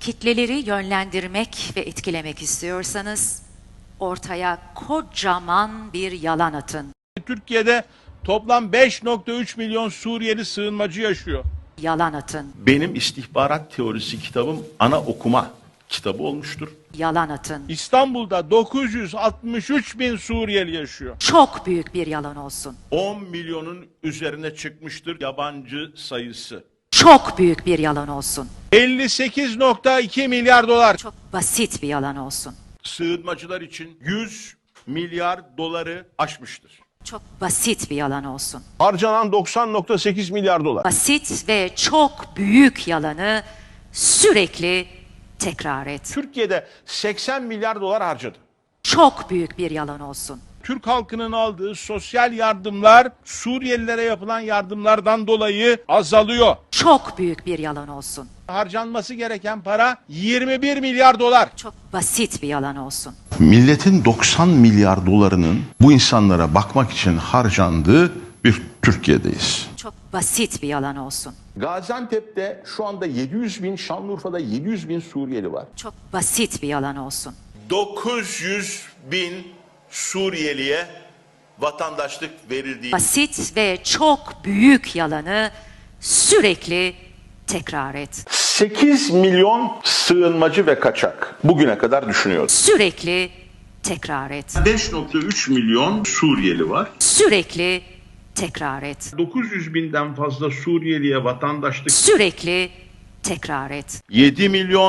kitleleri yönlendirmek ve etkilemek istiyorsanız ortaya kocaman bir yalan atın. Türkiye'de toplam 5,3 milyon Suriyeli sığınmacı yaşıyor. Yalan atın. Benim istihbarat teorisi kitabım ana okuma kitabı olmuştur. Yalan atın. İstanbul'da 963 bin Suriyeli yaşıyor. Çok büyük bir yalan olsun. 10 milyonun üzerine çıkmıştır yabancı sayısı. Çok büyük bir yalan olsun. 58,2 milyar dolar. Çok basit bir yalan olsun. Sığınmacılar için 100 milyar doları aşmıştır. Çok basit bir yalan olsun. Harcanan 90,8 milyar dolar. Basit ve çok büyük yalanı sürekli tekrar et. Türkiye'de 80 milyar dolar harcadı. Çok büyük bir yalan olsun. Türk halkının aldığı sosyal yardımlar Suriyelilere yapılan yardımlardan dolayı azalıyor. Çok büyük bir yalan olsun. Harcanması gereken para 21 milyar dolar. Çok basit bir yalan olsun. Milletin 90 milyar dolarının bu insanlara bakmak için harcandığı bir Türkiye'deyiz. Çok basit bir yalan olsun. Gaziantep'te şu anda 700 bin, Şanlıurfa'da 700 bin Suriyeli var. Çok basit bir yalan olsun. 900 bin Suriyeliye vatandaşlık verildiği Basit ve çok büyük yalanı sürekli tekrar et. 8 milyon sığınmacı ve kaçak bugüne kadar düşünüyoruz. Sürekli tekrar et. 5,3 milyon Suriyeli var. Sürekli tekrar et. 900 binden fazla Suriyeliye vatandaşlık. Sürekli tekrar et. 7 milyon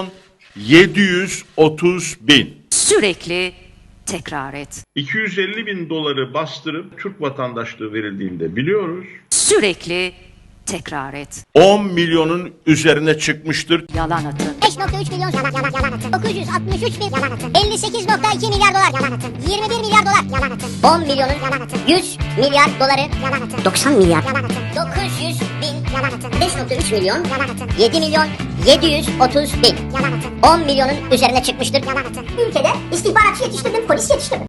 730 bin. Sürekli tekrar et. 250 bin doları bastırıp Türk vatandaşlığı verildiğini de biliyoruz. Sürekli tekrar et. 10 milyonun üzerine çıkmıştır. Yalan atın. 5,3 milyon yalan atın. 963 bin yalan atın. 58,2 milyar dolar yalan atın. 21 milyar dolar yalan atın. 10 milyonun yalan atın. 100 milyar doları yalan atın. 90 milyar yalan atın. 900 bin yalan atın. 5,3 milyon yalan atın. 7 milyon 730 bin yalan atın. 10 milyonun üzerine çıkmıştır yalan atın. Ülkede istihbaratçı yetiştirdim, polis yetiştirdim.